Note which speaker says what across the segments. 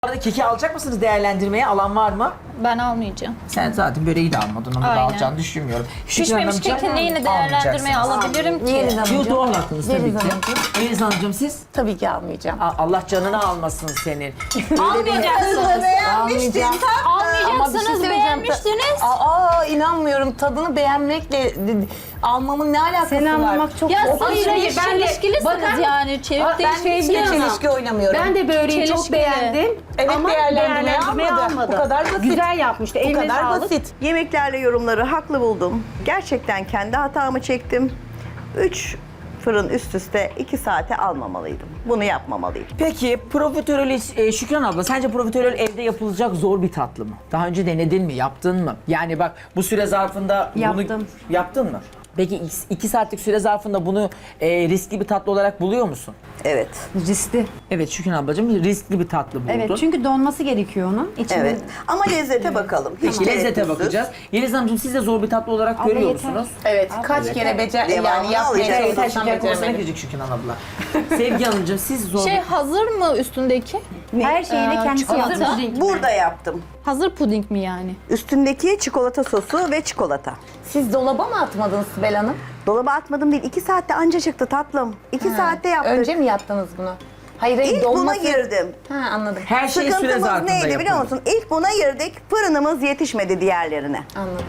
Speaker 1: Arada keki alacak mısınız değerlendirmeye? Alan var mı?
Speaker 2: Ben almayacağım.
Speaker 1: Sen zaten böreği de almadın. Onu da
Speaker 2: Aynen.
Speaker 1: alacağını düşünmüyorum. Şükran
Speaker 2: Pişmemiş
Speaker 1: Hanımcığım,
Speaker 2: kekin neyini değerlendirmeye
Speaker 1: almayacaksınız.
Speaker 2: alabilirim ki?
Speaker 3: Yeliz Hanımcığım.
Speaker 1: Yo, doğal hakkınız tabii
Speaker 3: Yeliz
Speaker 1: ki.
Speaker 3: Hanımcığım.
Speaker 1: Yeliz Hanımcığım siz?
Speaker 3: Tabii ki almayacağım.
Speaker 1: Allah canını almasın senin.
Speaker 2: Almayacaksınız.
Speaker 3: Almayacağım.
Speaker 2: Almayacaksınız, beğenmiştiniz.
Speaker 3: İnanmıyorum. Tadını beğenmekle almamın ne alakası
Speaker 4: Seni
Speaker 3: var?
Speaker 4: anlamak çok
Speaker 2: Ya
Speaker 4: zor.
Speaker 2: siz çelişkilisiniz yani.
Speaker 3: Ben hiç çelişki oynamıyorum.
Speaker 4: Ben de böreği çok
Speaker 2: Çelişkili.
Speaker 4: beğendim.
Speaker 3: Evet,
Speaker 4: ama
Speaker 3: değerlendirmeye almadı. Bu kadar basit.
Speaker 4: Güzel yapmıştı.
Speaker 3: Bu
Speaker 4: Eline
Speaker 3: kadar
Speaker 4: sağlık.
Speaker 3: basit.
Speaker 5: Yemeklerle yorumları haklı buldum. Gerçekten kendi hatamı çektim. 3 fırın üst üste 2 saate almamalıydım. Bunu yapmamalıydım.
Speaker 1: Peki profiterol, Şükran abla sence profiterol evde yapılacak zor bir tatlı mı? Daha önce denedin mi? Yaptın mı? Yani bak bu süre zarfında bunu
Speaker 4: Yaptım.
Speaker 1: yaptın mı? Peki 2 saatlik süre zarfında bunu riskli bir tatlı olarak buluyor musun?
Speaker 5: Evet.
Speaker 4: Riskli.
Speaker 1: Evet Şükran ablacığım riskli bir tatlı buldun.
Speaker 4: Evet çünkü donması gerekiyor onun. İçinde.
Speaker 5: Evet. Ama lezzete bakalım. Hiç
Speaker 1: Peki lezzete
Speaker 5: tereddütsüz.
Speaker 1: bakacağız. Yeliz Hanımcığım siz de zor bir tatlı olarak görüyor
Speaker 4: yeter.
Speaker 1: musunuz?
Speaker 3: Evet, kaç kere
Speaker 5: Devamını
Speaker 3: yani yapmaya
Speaker 5: alacağız.
Speaker 1: Yeter
Speaker 3: çalışsam
Speaker 1: şeker konusuna
Speaker 3: beceremedim.
Speaker 1: girecek Şükran abla. Sevgi Hanımcığım siz zor
Speaker 2: Şey hazır mı üstündeki?
Speaker 4: Her şeyini kendisi
Speaker 2: çikolata.
Speaker 4: yapmış.
Speaker 5: Burada yaptım.
Speaker 2: Hazır puding mi yani?
Speaker 5: Üstündeki çikolata sosu ve çikolata.
Speaker 3: Siz dolaba mı atmadınız Sibel Hanım?
Speaker 5: Dolaba atmadım değil. 2 saatte anca çıktı tatlım. 2 saatte yaptık.
Speaker 3: Önce mi yaptınız bunu? Hayır,
Speaker 5: İlk buna
Speaker 3: dolması...
Speaker 5: girdim.
Speaker 3: Ha, anladım.
Speaker 1: her şey süre
Speaker 5: Sıkıntımız
Speaker 1: zarfında
Speaker 5: neydi biliyor
Speaker 1: yapılır.
Speaker 5: musun? İlk buna girdik. Fırınımız yetişmedi diğerlerine.
Speaker 3: Anladım.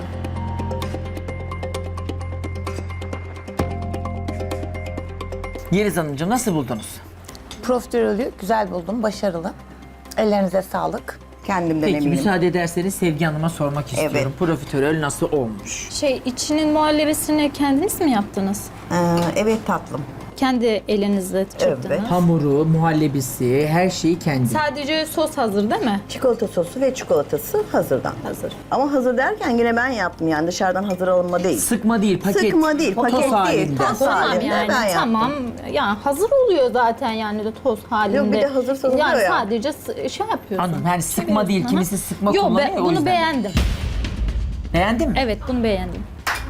Speaker 1: Yeliz Hanımcığım nasıl buldunuz?
Speaker 3: Profiterolü güzel buldum, başarılı. Ellerinize sağlık.
Speaker 5: Kendimden
Speaker 1: Peki
Speaker 5: eminim.
Speaker 1: müsaade ederseniz Sevgi Hanım'a sormak istiyorum.
Speaker 5: Evet.
Speaker 1: Profiterol nasıl olmuş?
Speaker 2: Şey içinin muhallebisini kendiniz mi yaptınız?
Speaker 5: Evet tatlım.
Speaker 2: Kendi elinizle çırptınız.
Speaker 5: Evet.
Speaker 1: Hamuru, muhallebisi, her şeyi kendi.
Speaker 2: Sadece sos hazır değil mi?
Speaker 5: Çikolata sosu ve çikolatası hazırdan.
Speaker 2: Hazır.
Speaker 5: Ama hazır derken yine ben yaptım yani dışarıdan hazır alınma değil.
Speaker 1: Sıkma değil, paket.
Speaker 5: Sıkma değil,
Speaker 1: Toz
Speaker 5: paket değil.
Speaker 1: halinde.
Speaker 5: Toz
Speaker 2: Tamam
Speaker 5: halinde
Speaker 2: yani
Speaker 5: ben yaptım.
Speaker 2: tamam. Ya hazır oluyor zaten yani de toz halinde.
Speaker 5: Yok, bir de hazır satılıyor
Speaker 2: yani
Speaker 5: ya.
Speaker 2: sadece şey yapıyorsun.
Speaker 1: Anladım. Yani sıkma değil,
Speaker 2: Hı hı.
Speaker 1: kimisi sıkma
Speaker 2: Yok,
Speaker 1: kullanıyor o
Speaker 2: bunu
Speaker 1: yüzden.
Speaker 2: beğendim.
Speaker 1: Beğendin mi?
Speaker 2: Evet bunu beğendim.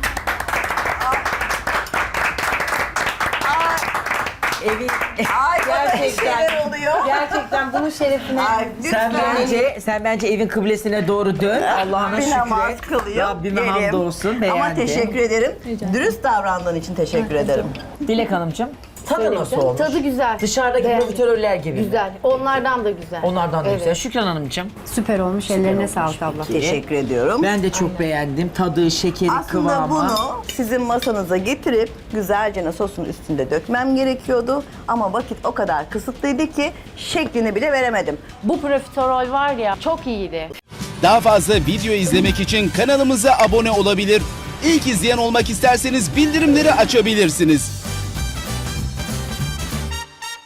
Speaker 1: Evi...
Speaker 5: Ay
Speaker 3: Gerçekten.
Speaker 5: şeyler oluyor.
Speaker 3: Gerçekten bunun şerefine...
Speaker 5: Ay,
Speaker 1: sen bence evin kıblesine doğru dön. Allah'ına
Speaker 5: bir namaz
Speaker 1: şükret.
Speaker 5: kılıyor.
Speaker 1: Rabbime
Speaker 5: yerim.
Speaker 1: hamdolsun. Beğendi.
Speaker 5: Ama teşekkür ederim.
Speaker 2: Rica
Speaker 5: Dürüst davrandığın için teşekkür ederim.
Speaker 1: Dilek Hanımcığım. Tadı nasıl olmuş?
Speaker 4: Tadı güzel.
Speaker 1: Dışarıdaki
Speaker 4: Beğendim.
Speaker 1: profiteroller gibi mi?
Speaker 4: Güzel. Onlardan da güzel.
Speaker 1: Onlardan da
Speaker 4: Evet.
Speaker 1: güzel. Şükran Hanımcığım.
Speaker 4: Süper olmuş. Ellerine sağlık abla.
Speaker 5: Teşekkür ediyorum.
Speaker 1: Ben de çok beğendim. Tadı, şekeri,
Speaker 5: Aslında
Speaker 1: kıvamı.
Speaker 5: bunu sizin masanıza getirip güzelce sosun üstünde dökmem gerekiyordu. Ama vakit o kadar kısıtlıydı ki şeklini bile veremedim.
Speaker 4: Bu profiterol var ya çok iyiydi.
Speaker 6: Daha fazla video izlemek için kanalımıza abone olabilir. İlk izleyen olmak isterseniz bildirimleri açabilirsiniz.